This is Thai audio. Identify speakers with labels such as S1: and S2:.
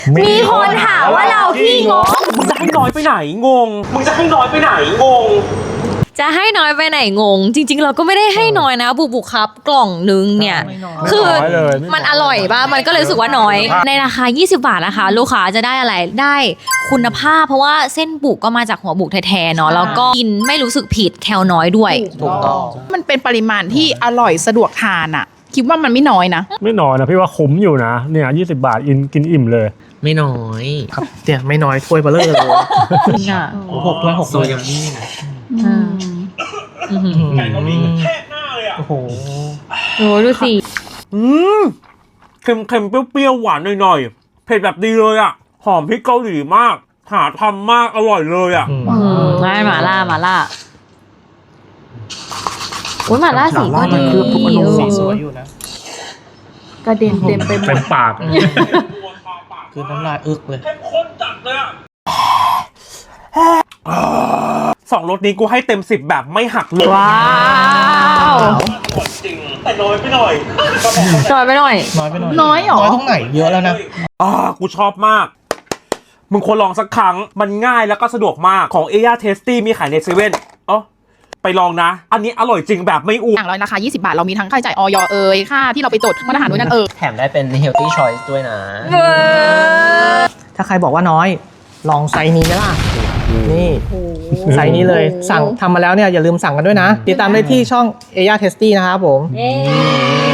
S1: มีคนถามว่าเราขี้งก
S2: มึงจะให้น้อยไปไหนงง มึงจะให้น้อยไปไหนงง
S1: จะให้น้อยไปไหนงง จริงๆเราก็ไม่ได้ให้น้อยนะบุกครับกล่องนึงเนี่ยคือมันอร่อยป่ะมันก็เลยรู้สึกว่าน้อย ในราคา20 บาทนะคะลูกค้าจะได้อะไรได้คุณภาพเพราะว่าเส้นบุกก็มาจากหัวบุกแท้ๆเนาะแล้วก็กินไม่รู้สึกผิดแคลน้อยด้วย
S3: ถูกต้อง
S4: มันเป็นปริมาณที่อร่อยสะดวกทานอ่ะคิดว่ามันไม่น้อยนะ
S5: ไม่น้อยนะพี่ว่าคุ้มอยู่นะเนี่ย20 บาทกินอิ่มเลย
S3: ไม่น้อยครับเนี่ยไม่น้อยถ้วยเบลเลอร์เลย6 ถ้วย6 ถ้วยยังนี่นะไก่ก็มีแค่หน้าเลยอ่ะโอ้โห
S1: โอ้ดูสิ
S2: เค็มๆเปรี้ยวๆหวานหน่อยๆเผ็ดแบบดีเลยอ่ะหอมพริกเกาหลีมากหาทำมากอร่อยเลยอ่ะ
S1: ไม่หมาล่าโอ้ยหมาล่าสีก็ดี
S3: สีสวยอยู่นะ
S4: กระเด็นเต็มไปหม
S5: เต็
S4: ด
S5: มปาก
S3: คือน้ำลายอึกเลย
S2: ข้นจัดเลยอ่ะ2 รสนี้กูให้เต็ม10แบบไม่หักเลย
S1: ว้าว
S2: จริงแต่น้อยไปหน่อย
S1: จอยไปหน่อย
S3: น้อยไปหน่อย
S4: น้อยเหรอ
S3: น้อยตรงไหนเยอะแล้วนะ
S2: กูชอบมากมึงควรลองสักครั้งมันง่ายแล้วก็สะดวกมากของ Aya Tasty มีขายในเซเว่นไปลองนะอันนี้อร่อยจริงแบบไม่อ้ว
S4: อน ย่างร้อยราคา20 บาทเรามีทั้งค่าใช้จ่ายออยค่าที่เราไปจดมาตรฐานด้วยนั่น
S6: แถมได้เป็น healthy choice ด้วยนะ
S3: ถ้าใครบอกว่าน้อยลองไซส์นี้ไหมล่ะนี่ไซส์นี้เลยสั่งทำมาแล้วเนี่ยอย่าลืมสั่งกันด้วยนะติดตามได้ที่ช่อง Aya Tasty นะครับผม
S1: เย้